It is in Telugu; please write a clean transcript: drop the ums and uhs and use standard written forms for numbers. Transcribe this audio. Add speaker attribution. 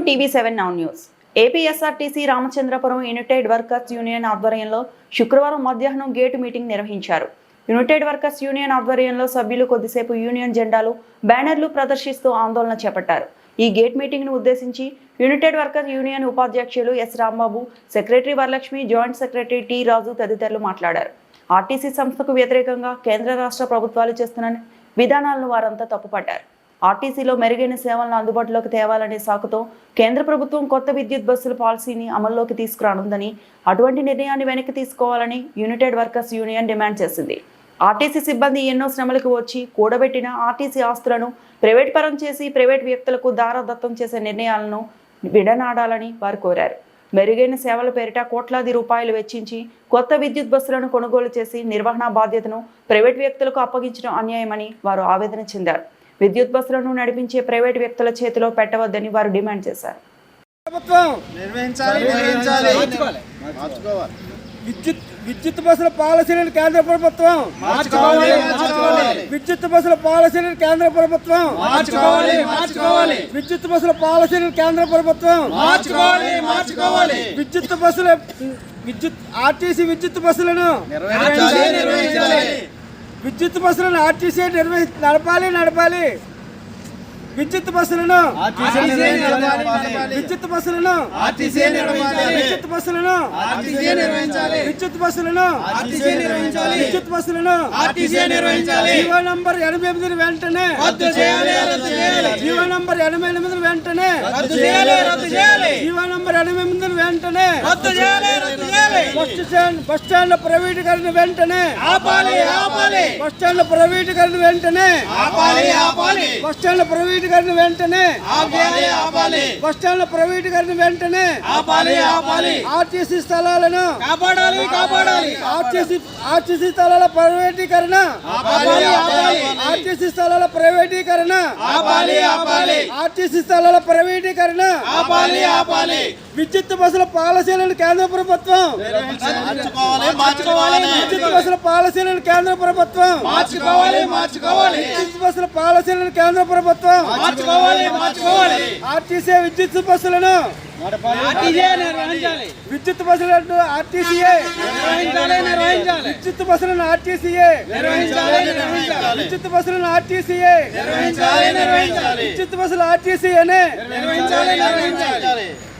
Speaker 1: టీవీ7 now news. APSRTC Ramachandrapuram united workers union ఆధ్వర్యంలో శుక్రవారం మధ్యాహ్నం గేటు మీటింగ్ నిర్వహించారు. యునైటెడ్ వర్కర్స్ యూనియన్ ఆధ్వర్యంలో సభ్యులు కొద్దిసేపు యూనియన్ జెండాలు, బ్యానర్లు ప్రదర్శిస్తూ ఆందోళన చేపట్టారు. ఈ గేట్ మీటింగ్ ను ఉద్దేశించి యునైటెడ్ వర్కర్స్ యూనియన్ ఉపాధ్యక్షులు S Rambabu, secretary Varalakshmi, joint secretary T Raju తదితరులు మాట్లాడారు. ఆర్టీసీ సంస్థకు వ్యతిరేకంగా కేంద్ర రాష్ట్ర ప్రభుత్వాలు చేస్తున్న విధానాలను వారంతా తప్పుపట్టారు. ఆర్టీసీలో మెరుగైన సేవలను అందుబాటులోకి తేవాలనే సాకుతో కేంద్ర ప్రభుత్వం కొత్త విద్యుత్ బస్సుల పాలసీని అమల్లోకి తీసుకురానుందని, అటువంటి నిర్ణయాన్ని వెనక్కి తీసుకోవాలని యునైటెడ్ వర్కర్స్ యూనియన్ డిమాండ్ చేసింది. ఆర్టీసీ సిబ్బంది ఎన్నో శ్రమలకు వచ్చి కూడబెట్టిన ఆర్టీసీ ఆస్తులను ప్రైవేట్ పరం చేసి ప్రైవేట్ వ్యక్తులకు దారాదత్తం చేసే నిర్ణయాలను విడనాడాలని వారు కోరారు. మెరుగైన సేవల పేరిట కోట్లాది రూపాయలు వెచ్చించి కొత్త విద్యుత్ బస్సులను కొనుగోలు చేసి నిర్వహణ బాధ్యతను ప్రైవేట్ వ్యక్తులకు అప్పగించడం అన్యాయమని వారు ఆవేదన చెందారు. విద్యుత్ బస్సులను నడిపించే ప్రైవేట్ వ్యక్తుల చేతిలో పెట్టవద్దని వారు డిమాండ్ చేశారు.
Speaker 2: విద్యుత్ బస్సుల పాలసీలను కేంద్ర ప్రభుత్వం విద్యుత్ బస్సుల పాలసీలను కేంద్ర ప్రభుత్వం విద్యుత్ బస్సుల పాలసీలను కేంద్ర ప్రభుత్వం విద్యుత్ ఆర్టీసీ విద్యుత్ బస్సులను విద్యుత్ బస్సులను ఆర్టీసీ నడపాలి. విద్యుత్ బస్సులను విద్యుత్ బస్సులను విద్యుత్ బస్సులను విద్యుత్ బస్సులను విద్యుత్ బస్సులను జీవో నంబర్ 88 వెంటనే జీవో నంబర్ 88 వెంటనే జీవో నంబర్ 88 వెంటనే బస్ స్టాండ్ల ప్రైవేటీకరణ వెంటనే బస్ స్టాండ్ల ప్రైవేటీకరణ వెంటనే బస్ స్టాండ్ల ప్రైవేటీకరణ వెంటనే బస్ స్టాండ్ల ప్రైవేటీకరణ వెంటనే ఆర్టీసీ స్థలాలను ఆర్టీసీ స్థలాల ప్రైవేటీకరణ ఆర్టీసీ స్థలాల ప్రైవేటీకరణ ఆర్టీసీ స్థలాల ప్రైవేటీకరణ విద్యుత్ బస్సుల పాలసీలను కేంద్ర ప్రభుత్వం విద్యుత్ బస్సుల పాలసీలను కేంద్ర ప్రభుత్వం విద్యుత్ బస్సుల పాలసీలను కేంద్ర ప్రభుత్వం ఆర్టీసీ విద్యుత్ బస్సులను విద్యుత్ బస్సులను ఆర్టీసీఏ విద్యుత్ బస్సులను ఆర్టీసీఏ విద్యుత్ బస్సులను ఆర్టీసీఏ విద్యుత్ బస్సులు ఆర్టీసీఏనే